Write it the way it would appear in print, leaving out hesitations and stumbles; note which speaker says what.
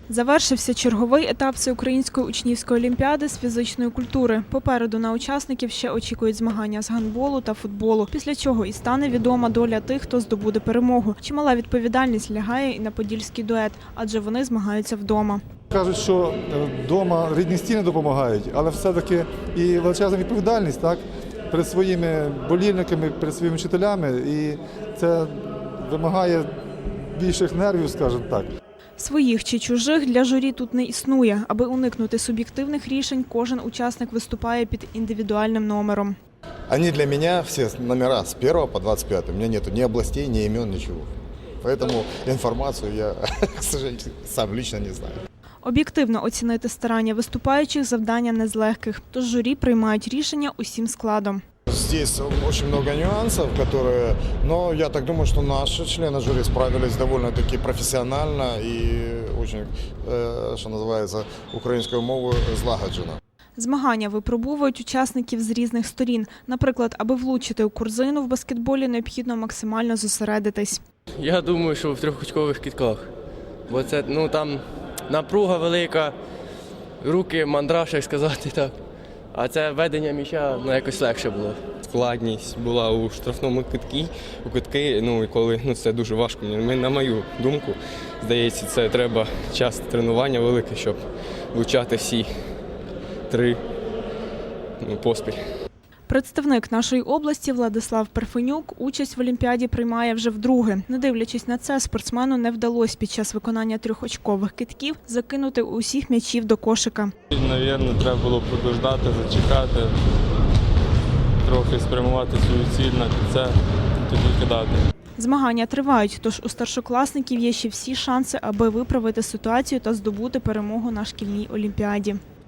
Speaker 1: Завершився черговий етап Всеукраїнської учнівської олімпіади з фізичної культури. Попереду на учасників ще очікують змагання з гандболу та футболу, після чого і стане відома доля тих, хто здобуде перемогу. Чимала відповідальність лягає і на подільський дует, адже вони змагаються вдома.
Speaker 2: Кажуть, що вдома рідні стіни допомагають, але все-таки і величезна відповідальність, так, перед своїми болільниками, перед своїми вчителями, і це вимагає більших нервів, скажімо так.
Speaker 1: Своїх чи чужих для журі тут не існує. Аби уникнути суб'єктивних рішень, кожен учасник виступає під індивідуальним номером.
Speaker 3: Они для меня все номера с 1 по 25. У меня нету ни областей, ни имен, ничего. Поэтому информацию я, к сожалению, сам лично не знаю.
Speaker 1: Об'єктивно оцінити старання виступаючих завдання не з легких, тож журі приймають рішення усім складом.
Speaker 3: Здесь очень много нюансов, но я так думаю, что наши члены жюри справились довольно-таки профессионально и очень, что называется, украинскую мову злагоджено.
Speaker 1: Змагання випробовують учасників з різних сторін. Наприклад, аби влучити у корзину в баскетболі, необхідно максимально зосередитись.
Speaker 4: Я думаю, що в трьохочкових кидках, бо це там напруга велика, руки мандраж, як сказати так. А це ведення м'яча якось легше було.
Speaker 5: Складність була у штрафному китки, і коли це дуже важко. На мою думку, здається, це треба час тренування велике, щоб влучати всі 3 поспіль.
Speaker 1: Представник нашої області Владислав Перфенюк участь в Олімпіаді приймає вже вдруге. Не дивлячись на це, спортсмену не вдалося під час виконання трьохочкових кидків закинути усіх м'ячів до кошика.
Speaker 6: Навірно, треба було подождати, зачекати, трохи спрямувати свою ціль на це, тоді кидати.
Speaker 1: Змагання тривають, тож у старшокласників є ще всі шанси, аби виправити ситуацію та здобути перемогу на шкільній олімпіаді.